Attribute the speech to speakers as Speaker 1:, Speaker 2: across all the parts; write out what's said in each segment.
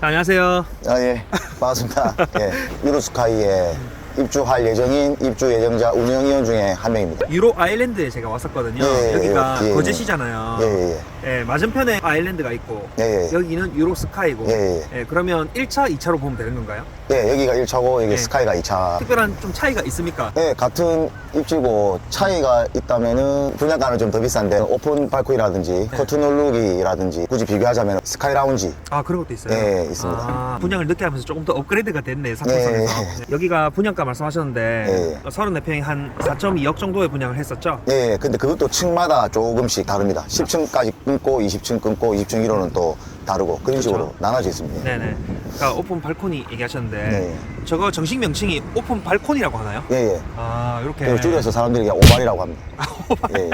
Speaker 1: 안녕하세요.
Speaker 2: 예, 반갑습니다. 예, 유로스카이에 입주할 예정인 입주 예정자 운영위원 중에 한 명입니다.
Speaker 1: 유로 아일랜드에 제가 왔었거든요.
Speaker 2: 예,
Speaker 1: 여기가
Speaker 2: 예, 예.
Speaker 1: 거제시잖아요.
Speaker 2: 예,
Speaker 1: 예, 맞은편에 아일랜드가 있고
Speaker 2: 예, 예.
Speaker 1: 여기는 유로 스카이고.
Speaker 2: 예, 예.
Speaker 1: 그러면 1차, 2차로 보면 되는 건가요?
Speaker 2: 예, 여기가 1차고 여기
Speaker 1: 예.
Speaker 2: 스카이가 2차.
Speaker 1: 특별한 좀 차이가 있습니까?
Speaker 2: 예, 같은 입지고 차이가 있다면은 분양가는 좀 더 비싼데 오픈 발코니라든지 커튼 홀룩이라든지 굳이 비교하자면 스카이 라운지.
Speaker 1: 아, 그런 것도 있어요?
Speaker 2: 예, 있습니다.
Speaker 1: 아, 분양을 늦게 하면서 조금 더 업그레이드가 됐네, 상품성에서.
Speaker 2: 예.
Speaker 1: 여기가 분양가 말씀하셨는데 34평이 한 4.2억 정도의 분양을 했었죠?
Speaker 2: 예, 근데 그것도 층마다 조금씩 다릅니다. 10층까지 끊고 20층 끊고 20층 1호는 또 다르고 그런 식으로 나눠져 있습니다.
Speaker 1: 네네. 그러니까 오픈 발코니 얘기하셨는데
Speaker 2: 네.
Speaker 1: 저거 정식 명칭이 오픈 발코니라고 하나요?
Speaker 2: 예, 예.
Speaker 1: 아, 이렇게.
Speaker 2: 그리고 줄여서 사람들이 그냥 오발이라고 합니다. 예, 예.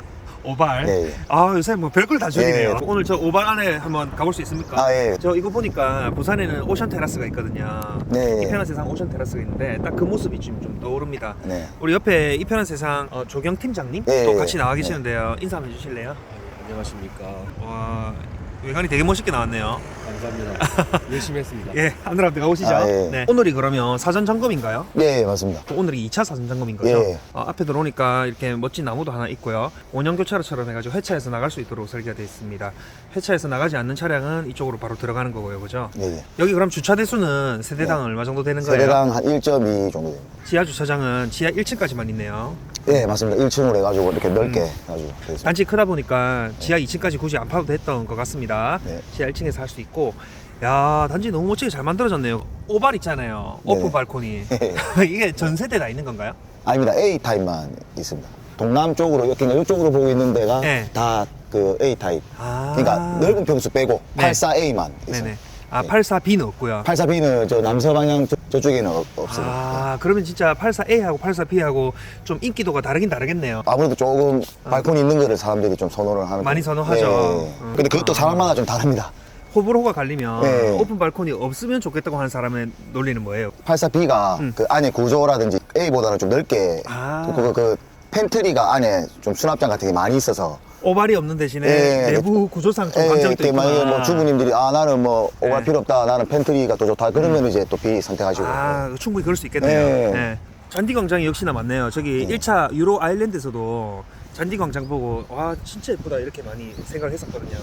Speaker 1: 오발.
Speaker 2: 예, 예.
Speaker 1: 아, 요새 뭐 별걸 다 죽이네요.
Speaker 2: 예.
Speaker 1: 오늘 저 오발 안에 한번 가볼 수 있습니까?
Speaker 2: 아, 예.
Speaker 1: 저 이거 보니까 부산에는 오션 테라스가 있거든요.
Speaker 2: 네.
Speaker 1: 이편한 세상 오션 테라스가 있는데 딱 그 모습이 지금 좀 떠오릅니다.
Speaker 2: 네.
Speaker 1: 우리 옆에 이편한 세상 조경 팀장님
Speaker 2: 예,
Speaker 1: 또
Speaker 2: 예.
Speaker 1: 같이 나와 계시는데요. 인사 한번 해주실래요?
Speaker 3: 안녕하십니까.
Speaker 1: 와, 외관이 되게 멋있게 나왔네요.
Speaker 3: 감사합니다. 열심히 했습니다.
Speaker 1: 예, 하늘 앞에 가보시죠.
Speaker 2: 아, 예.
Speaker 1: 네. 오늘이 그러면 사전 점검인가요?
Speaker 2: 예, 예, 맞습니다.
Speaker 1: 오늘이 2차 사전 점검인 거죠?
Speaker 2: 예.
Speaker 1: 앞에 들어오니까 이렇게 멋진 나무도 하나 있고요. 원형 교차로처럼 해가지고 회차해서 나갈 수 있도록 설계가 되어 있습니다. 회차해서 나가지 않는 차량은 이쪽으로 바로 들어가는 거고요, 그죠?
Speaker 2: 예, 예.
Speaker 1: 여기 그럼 주차 대수는 세대당 얼마 정도 되는 거예요?
Speaker 2: 세대당 한 1.2 정도 됩니다.
Speaker 1: 지하 주차장은 지하 1층까지만 있네요.
Speaker 2: 예, 맞습니다. 1층으로 해가지고 이렇게 넓게 해가지고 되어 있습니다.
Speaker 1: 단지 크다 보니까 지하 2층까지 굳이 안 파도 됐던 것 같습니다.
Speaker 2: 네.
Speaker 1: 지하 1층에서 할 수 있고. 야, 단지 너무 멋지게 잘 만들어졌네요. 오발 있잖아요. 오픈
Speaker 2: 네네.
Speaker 1: 발코니. 이게 전 세대 다 있는 건가요?
Speaker 2: 아닙니다. A 타입만 있습니다. 동남 쪽으로, 그러니까 이쪽으로 보고 있는 데가
Speaker 1: 네.
Speaker 2: 다 그 A 타입.
Speaker 1: 아.
Speaker 2: 그러니까 넓은 평수 빼고
Speaker 1: 네.
Speaker 2: 84A만 있습니다.
Speaker 1: 네네. 아,
Speaker 2: 네.
Speaker 1: 84B는 없고요.
Speaker 2: 84B는 저 남서방향 저쪽에는 없습니다.
Speaker 1: 아, 그러면 진짜 84A하고 84B하고 좀 인기도가 다르긴 다르겠네요.
Speaker 2: 아무래도 조금 발코니 있는 거를 사람들이 좀 선호를 하는
Speaker 1: 많이
Speaker 2: 편이에요.
Speaker 1: 선호하죠.
Speaker 2: 근데 그것도 사람마다 좀 다릅니다.
Speaker 1: 호불호가 갈리면
Speaker 2: 네.
Speaker 1: 오픈 발코니 없으면 좋겠다고 하는 사람의 논리는 뭐예요?
Speaker 2: 84B가 그 안에 구조라든지 A보다는 좀 넓게
Speaker 1: 아.
Speaker 2: 그 팬트리가 안에 좀 수납장 같은 게 많이 있어서
Speaker 1: 오발이 없는 대신에
Speaker 2: 예,
Speaker 1: 내부 구조상 좀 강점이 또 있구나.
Speaker 2: 만약에 뭐 주부님들이 나는 뭐 오갈
Speaker 1: 네.
Speaker 2: 필요 없다 나는 팬트리가 더 좋다 그러면 이제 또 B 선택하시고
Speaker 1: 아, 충분히 그럴 수 있겠네요.
Speaker 2: 네.
Speaker 1: 네. 잔디광장이 역시나 많네요. 저기 1차 유로 아일랜드에서도 잔디광장 보고 와, 진짜 예쁘다 이렇게 많이 생각을 했었거든요.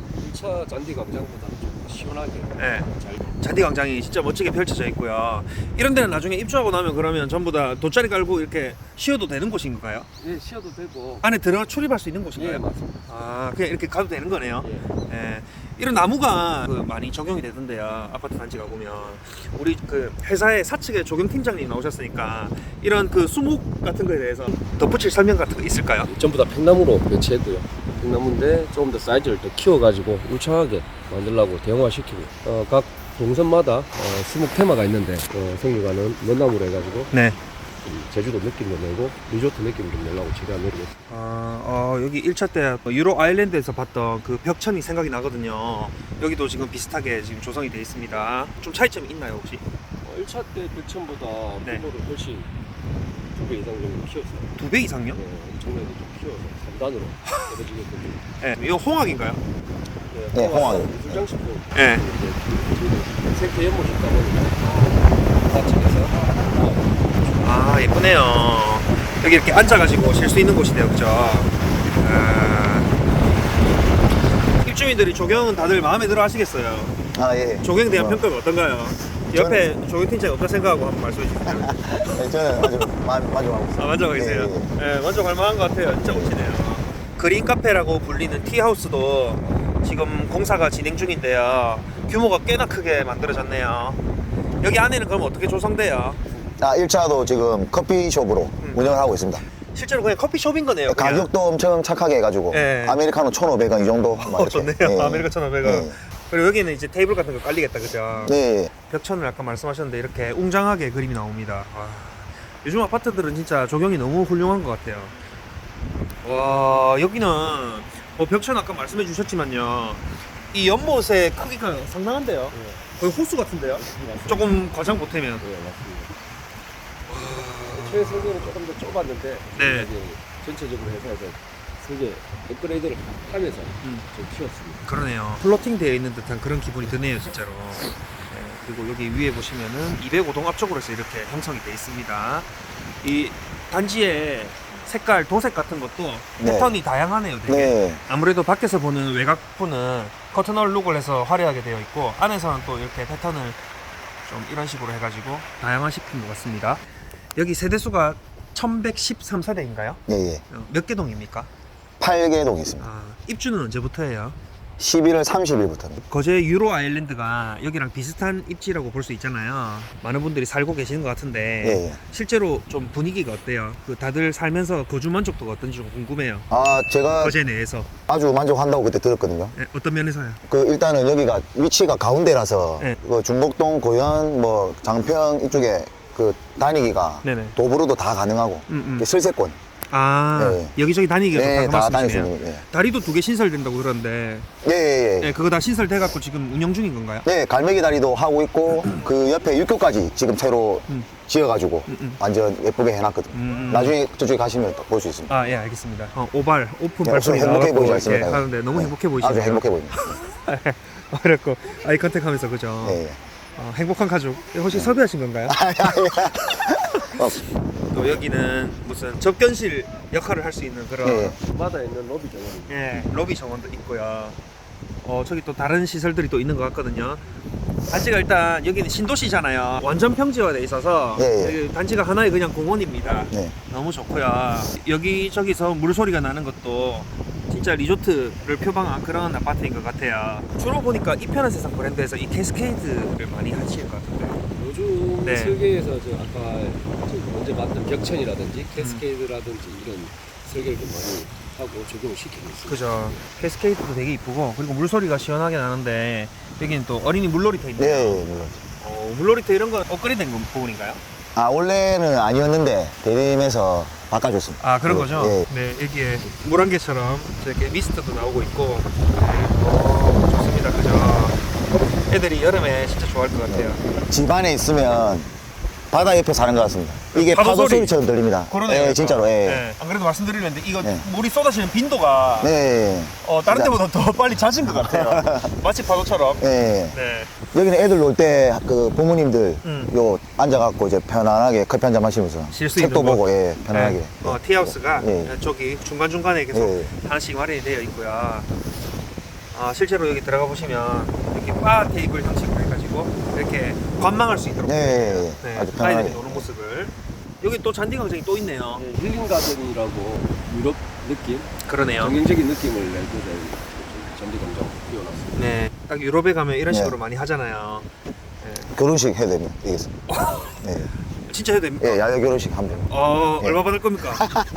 Speaker 3: 1차 잔디 광장보다 좀 시원하게
Speaker 1: 네.
Speaker 3: 잘.
Speaker 1: 잔디광장이 진짜 멋지게 펼쳐져 있고요. 이런 데는 나중에 입주하고 나면 그러면 전부 다 돗자리 깔고 이렇게 쉬어도 되는 곳인가요?
Speaker 3: 예, 쉬어도 되고.
Speaker 1: 안에 들어가 출입할 수 있는 곳인가요?
Speaker 3: 예, 맞습니다.
Speaker 1: 아, 그냥 이렇게 가도 되는 거네요.
Speaker 3: 예.
Speaker 1: 예. 이런 나무가 많이 적용이 되던데요. 아파트 단지 가보면 우리 그 회사의 사측의 조경 팀장님 나오셨으니까 이런 그 수목 같은 거에 대해서 덧붙일 설명 같은 거 있을까요?
Speaker 3: 전부 다 팽나무로 배치했고요. 팽나무인데 조금 더 사이즈를 더 키워가지고 울창하게 만들려고 대형화시키고 각 동선마다 수목 테마가 있는데 생육관은 먼나무로 해가지고
Speaker 1: 네.
Speaker 3: 좀 제주도 느낌도 내고 리조트 느낌 좀 내려고 최대한 노리고 있습니다.
Speaker 1: 여기 1차 때 유로 아일랜드에서 봤던 그 벽천이 생각이 나거든요. 여기도 지금 비슷하게 지금 조성이 되어 있습니다. 좀 차이점이 있나요 혹시?
Speaker 3: 1차 때 벽천보다
Speaker 1: 네.
Speaker 3: 규모를 훨씬 2배 이상 정도 키웠어요.
Speaker 1: 2배 이상요?
Speaker 3: 엄청나게 좀 키워서 3단으로 떨어지게끔.
Speaker 1: 네. 이거 홍학인가요?
Speaker 2: 네, 홍학.
Speaker 3: 미술장식도
Speaker 1: 네.
Speaker 3: 생태 연못이 있다 보니까 바다측에서
Speaker 1: 아, 예쁘네요. 여기 이렇게 앉아가지고 쉴 수 있는 곳이네요, 그죠? 입주민들이 조경은 다들 마음에 들어 하시겠어요?
Speaker 2: 예.
Speaker 1: 조경에 대한
Speaker 2: 뭐,
Speaker 1: 평가가 어떤가요? 옆에 조경팀장이 어떤 생각하고 한번 말씀해 주세요.
Speaker 2: 네, 저는 아주 만족하고 있습니다.
Speaker 1: 만족하고 계세요?
Speaker 2: 예, 예.
Speaker 1: 네, 만족할 만한 것 같아요. 진짜 멋지네요. 그린 카페라고 불리는 티하우스도 지금 공사가 진행 중인데요. 규모가 꽤나 크게 만들어졌네요. 여기 안에는 그럼 어떻게 조성돼요?
Speaker 2: 1차도 지금 커피숍으로 운영을 하고 있습니다.
Speaker 1: 실제로 그냥 커피숍인 거네요. 그냥.
Speaker 2: 가격도 엄청 착하게 해가지고
Speaker 1: 예.
Speaker 2: 아메리카노 1,500원 이 정도
Speaker 1: 좋네요.
Speaker 2: 예.
Speaker 1: 아메리카 1,500원.
Speaker 2: 예.
Speaker 1: 그리고 여기는 이제 테이블 같은 거 깔리겠다, 그죠?
Speaker 2: 네.
Speaker 1: 벽천을 아까 말씀하셨는데 이렇게 웅장하게 그림이 나옵니다. 와, 요즘 아파트들은 진짜 조경이 너무 훌륭한 것 같아요. 와, 여기는 뭐 벽천 아까 말씀해 주셨지만요. 이 연못의 크기가 상당한데요. 거의 호수 같은데요. 조금 과장 보태면.
Speaker 3: 네, 맞습니다. 최성대는 조금 더 좁았는데
Speaker 1: 네.
Speaker 3: 이제 전체적으로 해서 이제 설계 업그레이드를 하면서 좀 키웠습니다.
Speaker 1: 그러네요. 플로팅 되어 있는 듯한 그런 기분이 드네요, 진짜로. 네, 그리고 여기 위에 보시면은 205동 앞쪽으로 해서 이렇게 형성이 되어 있습니다. 이 단지의 색깔, 도색 같은 것도
Speaker 2: 네.
Speaker 1: 패턴이 다양하네요, 되게.
Speaker 2: 네.
Speaker 1: 아무래도 밖에서 보는 외곽부는 커튼홀 룩을 해서 화려하게 되어 있고 안에서는 또 이렇게 패턴을 좀 이런 식으로 해가지고 다양화시킨 것 같습니다. 여기 세대수가 1113세대인가요?
Speaker 2: 예, 예.
Speaker 1: 몇 개 동입니까?
Speaker 2: 8개 동이 있습니다.
Speaker 1: 아, 입주는 언제부터예요?
Speaker 2: 11월 30일부터입니다.
Speaker 1: 거제 유로 아일랜드가 여기랑 비슷한 입지라고 볼 수 있잖아요. 많은 분들이 살고 계시는 것 같은데
Speaker 2: 예, 예.
Speaker 1: 실제로 좀 분위기가 어때요? 그 다들 살면서 거주 만족도가 어떤지 좀 궁금해요.
Speaker 2: 아, 제가
Speaker 1: 거제 내에서
Speaker 2: 아주 만족한다고 그때 들었거든요.
Speaker 1: 네, 어떤 면에서요?
Speaker 2: 그 일단은 여기가 위치가 가운데라서
Speaker 1: 네.
Speaker 2: 그 중곡동, 고현, 뭐 장평 이쪽에 그 다니기가
Speaker 1: 네네.
Speaker 2: 도보로도 다 가능하고 슬세권
Speaker 1: 아,
Speaker 2: 네.
Speaker 1: 여기저기 다니기가
Speaker 2: 네,
Speaker 1: 좋다고
Speaker 2: 다 다닐 수
Speaker 1: 말씀이시네요.
Speaker 2: 있는 예.
Speaker 1: 다리도 2개 신설된다고 들었는데
Speaker 2: 예, 예, 예.
Speaker 1: 네, 그거 다 신설돼갖고 지금 운영 중인 건가요?
Speaker 2: 네, 갈매기 다리도 하고 있고 그 옆에 육교까지 지금 새로 지어가지고 완전 예쁘게 해놨거든요. 나중에 저쪽에 가시면 볼 수 있습니다.
Speaker 1: 아, 예, 알겠습니다. 오픈
Speaker 2: 네,
Speaker 1: 발코니
Speaker 2: 행복해
Speaker 1: 나와갖고
Speaker 2: 보이지
Speaker 1: 이렇게
Speaker 2: 않습니까?
Speaker 1: 하는데 너무
Speaker 2: 네.
Speaker 1: 행복해 보이시네요.
Speaker 2: 아주 행복해 보입니다.
Speaker 1: 그랬고 아이 컨택하면서 그죠?
Speaker 2: 예, 예.
Speaker 1: 행복한 가족. 혹시 섭외하신 건가요?
Speaker 2: 어,
Speaker 1: 또 여기는 무슨 접견실 역할을 할 수 있는 그런
Speaker 2: 예.
Speaker 3: 마다 있는 로비 정원입니다.
Speaker 1: 예, 로비 정원도 있고요. 저기 또 다른 시설들이 또 있는 것 같거든요. 단지가 일단 여기는 신도시잖아요. 완전 평지화돼 있어서
Speaker 2: 예, 예.
Speaker 1: 여기 단지가 하나의 그냥 공원입니다.
Speaker 2: 네.
Speaker 1: 너무 좋고요. 여기저기서 물소리가 나는 것도 진짜 리조트를 표방한 그런 아파트인 것 같아요. 주로 보니까 이편한 세상 브랜드에서 이 캐스케이드를 많이 하실 것 같은데.
Speaker 3: 요즘
Speaker 1: 네.
Speaker 3: 설계에서 저 아까 먼저 봤던 벽천이라든지 캐스케이드라든지 이런 설계를 좀 많이 하고 적용을 시키고 있습니다.
Speaker 1: 그죠. 캐스케이드도 되게 이쁘고 그리고 물소리가 시원하게 나는데 여기는 또 어린이 물놀이터 있네요.
Speaker 2: 네, 예, 물론.
Speaker 1: 물놀이터 이런 건 업그레이드된 부분인가요?
Speaker 2: 아, 원래는 아니었는데 대림에서 바꿔줬습니다.
Speaker 1: 아, 그런 거죠?
Speaker 2: 예.
Speaker 1: 네, 여기에 물안개처럼 이렇게 미스트도 나오고 있고 좋습니다. 그죠? 애들이 여름에 진짜 좋아할 것 같아요.
Speaker 2: 집 안에 있으면 바다 옆에 사는 것 같습니다. 이게
Speaker 1: 파도
Speaker 2: 파도
Speaker 1: 소리.
Speaker 2: 소리처럼 들립니다.
Speaker 1: 그러네요.
Speaker 2: 예, 진짜로. 예.
Speaker 1: 네. 안 그래도 말씀드리는데 이거
Speaker 2: 네.
Speaker 1: 물이 쏟아지는 빈도가
Speaker 2: 네.
Speaker 1: 다른
Speaker 2: 진짜.
Speaker 1: 때보다 더 빨리 잦은 것 같아요. 마치 파도처럼.
Speaker 2: 예.
Speaker 1: 네.
Speaker 2: 여기는 애들 놀 때 그 부모님들 요 앉아갖고 이제 편안하게 커피 한잔 마시면서
Speaker 1: 쉴수
Speaker 2: 책도
Speaker 1: 있는
Speaker 2: 보고 예, 편안하게.
Speaker 1: 네. 티하우스가
Speaker 2: 예.
Speaker 1: 저기 중간중간에 계속
Speaker 2: 예.
Speaker 1: 하나씩 마련이 되어 있고요. 실제로 여기 들어가 보시면 이렇게 바 테이블 형식으로 해가지고 이렇게 관망할 수 있도록
Speaker 2: 네,
Speaker 1: 되어 있어요.
Speaker 2: 예, 예. 아주 편안하게.
Speaker 1: 아이들이 노는 모습을. 여기 또 잔디 광장이 또 있네요.
Speaker 3: 네, 힐링 가든이라고 유럽 느낌,
Speaker 1: 그러네요.
Speaker 3: 정형적인 느낌을 내고자 잔디 광장 띄워놨습니다.
Speaker 1: 네, 딱 유럽에 가면 이런
Speaker 2: 네.
Speaker 1: 식으로 많이 하잖아요.
Speaker 2: 결혼식 해야 됩니다. 이게. 예.
Speaker 1: 진짜 해도 됩니까?
Speaker 2: 예, 야외 결혼식 한번. 예.
Speaker 1: 얼마 받을 겁니까?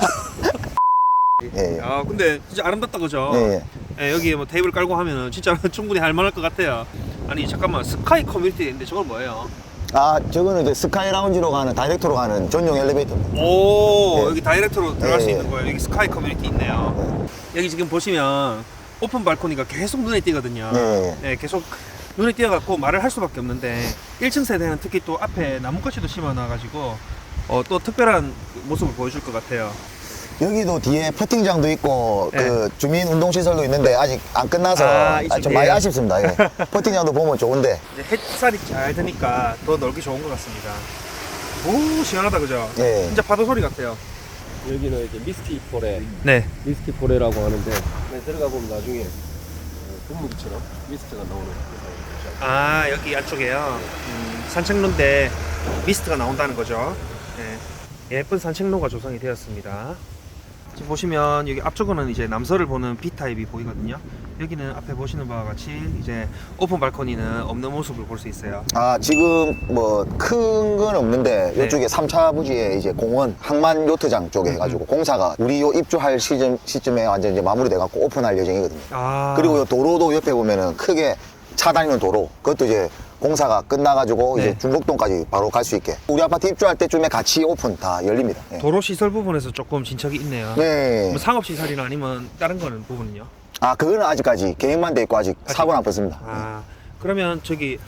Speaker 2: 예, 예.
Speaker 1: 근데 진짜 아름답다 그죠?
Speaker 2: 예, 예.
Speaker 1: 예, 여기 뭐 테이블 깔고 하면은 진짜 충분히 할 만할 것 같아요. 아니 잠깐만, 스카이 커뮤니티 있는데 저건 뭐예요?
Speaker 2: 아, 저거는 이제 스카이 라운지로 가는 다이렉트로 가는 전용 엘리베이터입니다.
Speaker 1: 오,
Speaker 2: 네.
Speaker 1: 여기 다이렉트로 들어갈 수
Speaker 2: 네.
Speaker 1: 있는 거예요. 여기 스카이 커뮤니티 있네요. 여기 지금 보시면 오픈 발코니가 계속 눈에 띄거든요.
Speaker 2: 네.
Speaker 1: 네, 계속 눈에 띄어갖고 말을 할 수밖에 없는데 1층 세대는 특히 또 앞에 나뭇가지도 심어놔가지고 또 특별한 모습을 보여줄 것 같아요.
Speaker 2: 여기도 뒤에 퍼팅장도 있고
Speaker 1: 네.
Speaker 2: 그 주민 운동 시설도 있는데 아직 안 끝나서
Speaker 1: 이쪽
Speaker 2: 좀 많이
Speaker 1: 뒤에요?
Speaker 2: 아쉽습니다. 예. 퍼팅장도 보면 좋은데.
Speaker 1: 이제 햇살이 잘 드니까 더 놀기 좋은 것 같습니다. 오, 시원하다 그죠?
Speaker 2: 예.
Speaker 1: 진짜 파도 소리 같아요.
Speaker 3: 여기는 이제 미스티 포레,
Speaker 1: 네.
Speaker 3: 미스티 포레라고 하는데 들어가 보면 나중에 분무기처럼 미스트가 나오는
Speaker 1: 여기 안쪽에요. 산책로인데 미스트가 나온다는 거죠. 네. 예쁜 산책로가 조성이 되었습니다. 지금 보시면 여기 앞쪽은 이제 남서를 보는 B타입이 보이거든요. 여기는 앞에 보시는 바와 같이 이제 오픈 발코니는 없는 모습을 볼 수 있어요.
Speaker 2: 아, 지금 뭐 큰 건 없는데
Speaker 1: 네.
Speaker 2: 이쪽에 3차 부지에 이제 공원 항만 요트장 쪽에 해가지고 공사가 우리 요 입주할 시점에 완전 이제 마무리돼 갖고 오픈할 예정이거든요. 그리고 요 도로도 옆에 보면은 크게 차 다니는 도로, 그것도 이제 공사가 끝나가지고
Speaker 1: 네.
Speaker 2: 이제 중곡동까지 바로 갈 수 있게 우리 아파트 입주할 때쯤에 같이 오픈 다 열립니다. 예.
Speaker 1: 도로 시설 부분에서 조금 진척이 있네요.
Speaker 2: 네.
Speaker 1: 뭐 상업 시설이나 아니면 다른 거는 부분은요?
Speaker 2: 아, 그거는 아직까지 계획만 돼 있고 아직 사고는 안 뻗습니다.
Speaker 1: 그러면 저기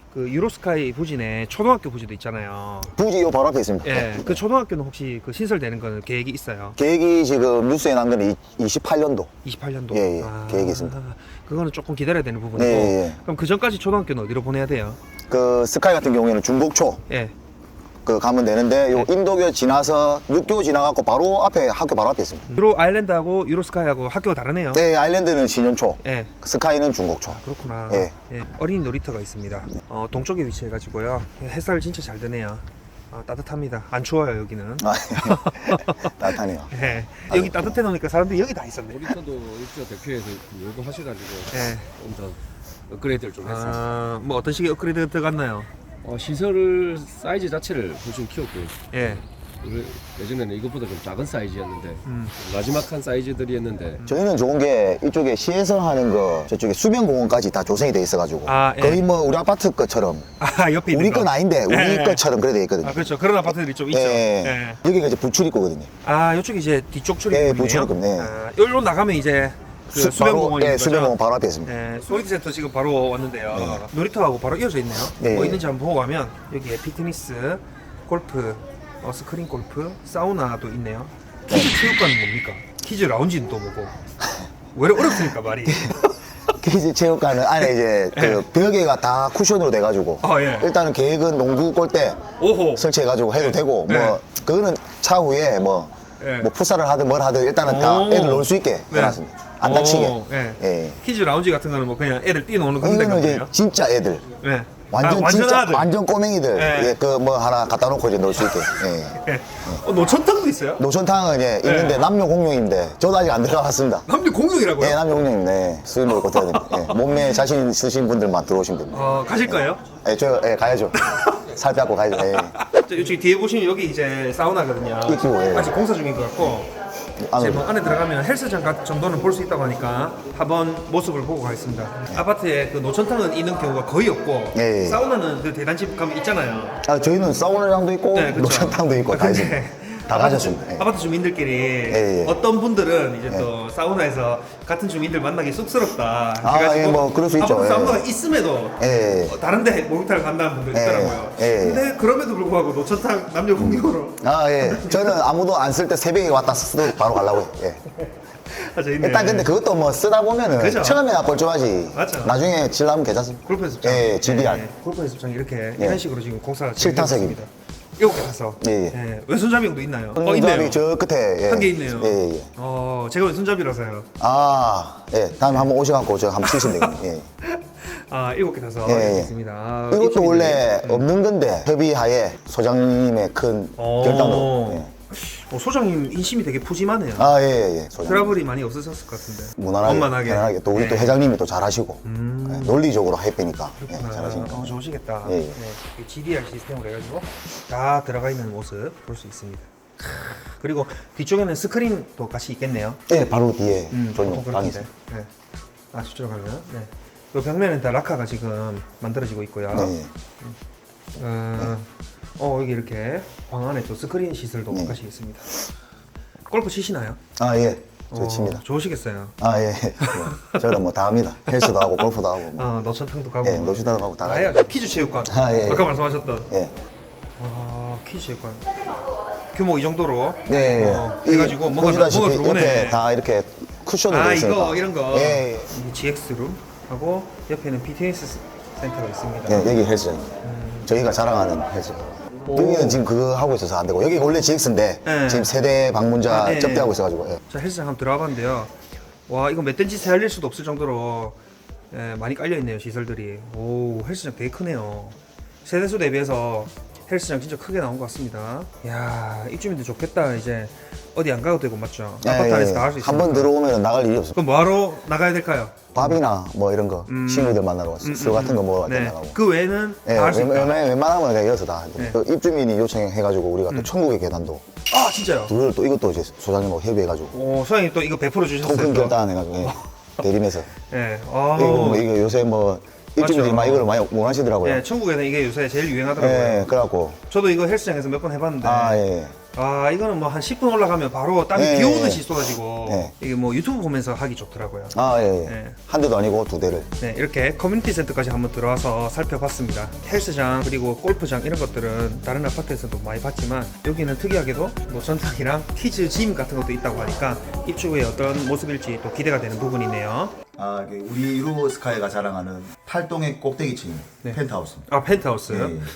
Speaker 1: 그 유로스카이 부진에 초등학교 부지도 있잖아요.
Speaker 2: 부지 요 바로 앞에 있습니다.
Speaker 1: 예, 그 초등학교는 혹시 그 신설되는 거는 계획이 있어요?
Speaker 2: 계획이 지금 뉴스에 난 거는 28년도.
Speaker 1: 28년도.
Speaker 2: 예, 계획이 있습니다.
Speaker 1: 그거는 조금 기다려야 되는 부분이고.
Speaker 2: 네, 예.
Speaker 1: 그럼 그 전까지 초등학교는 어디로 보내야 돼요?
Speaker 2: 그 스카이 같은 경우에는 중곡초
Speaker 1: 예.
Speaker 2: 그 가면 되는데 요 인도교 지나서 육교 지나갖고 바로 앞에 학교 바로 앞에 있습니다.
Speaker 1: 유로 아일랜드하고 유로스카이하고 학교가 다르네요.
Speaker 2: 네, 아일랜드는 신현초,
Speaker 1: 예.
Speaker 2: 스카이는 중곡초.
Speaker 1: 그렇구나.
Speaker 2: 예.
Speaker 1: 예, 어린이 놀이터가 있습니다. 동쪽에 위치해가지고요. 햇살 진짜 잘 드네요. 따뜻합니다. 안 추워요 여기는.
Speaker 2: 아, 따뜻하네요.
Speaker 1: 예. 여기 따뜻해 놓으니까 사람들이 여기 다 있었네.
Speaker 3: 놀이터도 입주 대표에서 요구하셔가지고
Speaker 1: 예.
Speaker 3: 좀 더 업그레이드를 좀 했어요.
Speaker 1: 뭐 어떤 식의 업그레이드 들어갔나요?
Speaker 3: 시설 사이즈 자체를 훨씬 키웠고요.
Speaker 1: 예.
Speaker 3: 예전에는 이것보다 좀 작은 사이즈였는데
Speaker 1: 음.
Speaker 3: 마지막한 사이즈들이었는데
Speaker 2: 저희는 좋은 게 이쪽에 시에서 하는 거 저쪽에 수변공원까지 다 조성이 돼 있어가지고
Speaker 1: 예.
Speaker 2: 거의 뭐 우리 아파트 것처럼
Speaker 1: 옆에 있는
Speaker 2: 우리
Speaker 1: 거.
Speaker 2: 건 아닌데 우리
Speaker 1: 예.
Speaker 2: 것처럼 그래 돼 있거든요.
Speaker 1: 그렇죠. 그런 아파트들이 좀 있죠.
Speaker 2: 예. 여기가 이제 부출입구거든요.
Speaker 1: 이쪽이 이제 뒤쪽
Speaker 2: 예,
Speaker 1: 출입구네요.
Speaker 2: 부출입구, 네.
Speaker 1: 여기로 나가면 이제 그 수변공원이
Speaker 2: 예, 수변공원 바로 앞에 있습니다.
Speaker 1: 네, 소리센터 지금 바로 왔는데요. 놀이터하고 바로 이어져 있네요.
Speaker 2: 네.
Speaker 1: 뭐 있는지 한번 보고 가면 여기에 피트니스, 골프, 스크린 골프, 사우나도 있네요. 키즈 체육관은 뭡니까? 키즈 라운지는 또 뭐고? 왜 이렇게 어렵습니까 말이?
Speaker 2: 키즈 체육관은 안에 이제 그 벽에가 다 쿠션으로 돼가지고
Speaker 1: 예.
Speaker 2: 일단은 계획은 농구 골대
Speaker 1: 오호.
Speaker 2: 설치해가지고 해도 되고
Speaker 1: 네.
Speaker 2: 뭐 그거는 차후에 뭐
Speaker 1: 네.
Speaker 2: 풋살을 하든 뭘 하든 일단은 다
Speaker 1: 오.
Speaker 2: 애들 놀 수 있게 해놨습니다. 안 다치게.
Speaker 1: 예.
Speaker 2: 예.
Speaker 1: 키즈 라운지 같은 거는 뭐 그냥 애들 뛰노는 그런
Speaker 2: 이거는 이제
Speaker 1: 데거든요.
Speaker 2: 진짜 애들.
Speaker 1: 네.
Speaker 2: 완전
Speaker 1: 완전
Speaker 2: 진짜
Speaker 1: 아들.
Speaker 2: 완전 꼬맹이들
Speaker 1: 네.
Speaker 2: 예, 그 뭐 하나 갖다 놓고 이제 놀 수 있게. 예.
Speaker 1: 예. 노천탕도 있어요?
Speaker 2: 노천탕은 예, 있는데 남녀 공용인데 저도 아직 안 들어갔습니다.
Speaker 1: 남녀 공용이라고요?
Speaker 2: 예, 남녀 공용인데 네, 수입을 못 해야 됩니다. 예, 몸매에 자신 있으신 분들만 들어오시면 됩니다.
Speaker 1: 가실 거예요?
Speaker 2: 예, 가야죠. 살 빼고 가야죠. 예.
Speaker 1: 여기 뒤에 보시면 여기 이제 사우나거든요.
Speaker 2: 있고, 예.
Speaker 1: 아직 공사 중인 것 같고 이제 뭐 안에 들어가면 헬스장 정도는 볼 수 있다고 하니까 한번 모습을 보고 가겠습니다. 아파트에 그 노천탕은 있는 경우가 거의 없고
Speaker 2: 예.
Speaker 1: 사우나는 그 대단집 가면 있잖아요.
Speaker 2: 저희는 사우나장도 있고
Speaker 1: 네, 그쵸.
Speaker 2: 노천탕도 있고 다
Speaker 1: 근데
Speaker 2: 있습니다. 다 가졌습니다. 예.
Speaker 1: 아파트 주민들끼리
Speaker 2: 예.
Speaker 1: 어떤 분들은 이제 또 사우나에서 같은 주민들 만나기 쑥스럽다.
Speaker 2: 예, 뭐 그럴 수 있죠.
Speaker 1: 아파트
Speaker 2: 예.
Speaker 1: 사우나가 있음에도
Speaker 2: 예.
Speaker 1: 다른데 목욕탕을 간다는 분들
Speaker 2: 예.
Speaker 1: 있더라고요.
Speaker 2: 예.
Speaker 1: 근데 그럼에도 불구하고 노천탕 남녀 공용으로
Speaker 2: 예. 저는 아무도 안 쓸 때 새벽에 왔다 쓰고 바로 가려고요. 예.
Speaker 1: 있네.
Speaker 2: 일단 근데 그것도 뭐 쓰다 보면은
Speaker 1: 그죠.
Speaker 2: 처음에나 뻘쭘하지.
Speaker 1: 맞죠.
Speaker 2: 나중에 질나면 괜찮습니다.
Speaker 1: 골프 연습장.
Speaker 2: 예, GDR.
Speaker 1: 골프 연습장 이렇게
Speaker 2: 예.
Speaker 1: 이런 식으로 지금 공사가
Speaker 2: 실타색입니다.
Speaker 1: 이렇게 가서.
Speaker 2: 예.
Speaker 1: 왼손잡이도 있나요?
Speaker 2: 손잡이
Speaker 1: 있네요.
Speaker 2: 저 끝에 예.
Speaker 1: 한 개 있네요.
Speaker 2: 예, 예.
Speaker 1: 제가 왼손잡이라서요.
Speaker 2: 예. 다음에 한번 오셔갖고 저 한번 치시면 되겠네요. 예.
Speaker 1: 7개 타서
Speaker 2: 예.
Speaker 1: 있습니다.
Speaker 2: 이것도 원래 없는 건데 협의하에 소장님의 큰 결단으로. 예.
Speaker 1: 소장님 인심이 되게 푸짐하네요.
Speaker 2: 예. 소장님.
Speaker 1: 트러블이 많이 없으셨을 것 같은데.
Speaker 2: 무난하게,
Speaker 1: 원만하게.
Speaker 2: 편안하게. 또 우리 또
Speaker 1: 예.
Speaker 2: 회장님이 또 잘하시고 예, 논리적으로 해빼니까 예, 잘하시니까.
Speaker 1: 좋으시겠다.
Speaker 2: 예, 예.
Speaker 1: 이 GDR 시스템으로 해가지고 다 들어가 있는 모습 볼 수 있습니다. 그리고 뒤쪽에는 스크린도 같이 있겠네요.
Speaker 2: 예, 바로 뒤에
Speaker 1: 보통
Speaker 2: 전용 방이
Speaker 1: 그렇던데.
Speaker 2: 있습니다.
Speaker 1: 네. 저쪽으로 가면. 네. 이 벽면은 다 라카가 지금 만들어지고 있고요.
Speaker 2: 네.
Speaker 1: 여기 이렇게 방 안에 또 스크린 시설도
Speaker 2: 네.
Speaker 1: 같이 있습니다. 골프 치시나요?
Speaker 2: 예. 저 칩니다.
Speaker 1: 좋으시겠어요.
Speaker 2: 예. 저는 뭐 다 합니다. 헬스도 하고 골프도 하고. 뭐.
Speaker 1: 노천탕도 가고.
Speaker 2: 예, 노시다도 가고 다
Speaker 1: 다
Speaker 2: 가요.
Speaker 1: 해야죠. 키즈 체육관.
Speaker 2: 예.
Speaker 1: 아까 말씀하셨던.
Speaker 2: 예.
Speaker 1: 키즈 체육관. 규모 이 정도로.
Speaker 2: 네.
Speaker 1: 해가지고 뭐가
Speaker 2: 보시다시피
Speaker 1: 들어오네.
Speaker 2: 옆에 다 이렇게 쿠션으로 되어 있으니까.
Speaker 1: 이거 이런 거.
Speaker 2: 예.
Speaker 1: 이게 GX룸 하고 옆에는 피트니스 센터가 있습니다.
Speaker 2: 예, 여기 헬스장입니다. 저희가 자랑하는 헬스장. 여기는 지금 그거 하고 있어서 안 되고 여기 원래 GX인데
Speaker 1: 네.
Speaker 2: 지금 세대 방문자
Speaker 1: 네.
Speaker 2: 접대하고 있어가지고 예.
Speaker 1: 자, 헬스장 한번 들어가 봤는데요. 와, 이거 멧돼지 세알릴 수도 없을 정도로 많이 깔려 있네요, 시설들이. 오, 헬스장 되게 크네요. 세대수 대비해서 헬스장 진짜 크게 나온 것 같습니다. 야, 입주민들 좋겠다. 이제 어디 안 가도 되고 맞죠? 아파트 안에서 다 할 수 있어요.
Speaker 2: 한번 들어오면 나갈 일이 없어.
Speaker 1: 그럼 뭐하러 나가야 될까요?
Speaker 2: 밥이나 뭐 이런 거 친구들 만나러 왔어. 술 같은 거 먹으러
Speaker 1: 네.
Speaker 2: 나가고.
Speaker 1: 그 외에는
Speaker 2: 예,
Speaker 1: 다 할 수 있다.
Speaker 2: 웬만하면 그냥 여기서 다.
Speaker 1: 네.
Speaker 2: 그 입주민이 요청해가지고 우리가 또 천국의 계단도
Speaker 1: 아, 진짜요?
Speaker 2: 둘을 또 이것도 이제 소장님하고 협의해가지고
Speaker 1: 오, 소장님 또 이거 100% 주셨어요.
Speaker 2: 통큰
Speaker 1: 또.
Speaker 2: 결단해가지고 예. 대림해서
Speaker 1: 예.
Speaker 2: 이거 요새 뭐 입주민들이
Speaker 1: 맞죠.
Speaker 2: 막 이걸 많이 원하시더라고요.
Speaker 1: 예, 천국에는 이게 요새 제일 유행하더라고요.
Speaker 2: 예, 그래갖고
Speaker 1: 저도 이거 헬스장에서 몇 번 해봤는데
Speaker 2: 예.
Speaker 1: 아 이거는 뭐 한 10분 올라가면 바로 땀이
Speaker 2: 네.
Speaker 1: 비 오듯이 쏟아지고
Speaker 2: 네.
Speaker 1: 이게 뭐 유튜브 보면서 하기 좋더라고요.
Speaker 2: 아, 예, 예.
Speaker 1: 네.
Speaker 2: 한 대도 아니고 두 대를.
Speaker 1: 네, 이렇게 커뮤니티 센터까지 한번 들어와서 살펴봤습니다. 헬스장 그리고 골프장 이런 것들은 다른 아파트에서도 많이 봤지만 여기는 특이하게도 뭐 전탕이랑 키즈 짐 같은 것도 있다고 하니까 입주 후에 어떤 모습일지 또 기대가 되는 부분이네요.
Speaker 4: 아, 우리 유로스카이가 자랑하는 탈동의 꼭대기층
Speaker 1: 네.
Speaker 4: 펜트하우스.
Speaker 1: 아 펜트하우스.
Speaker 4: 예, 예.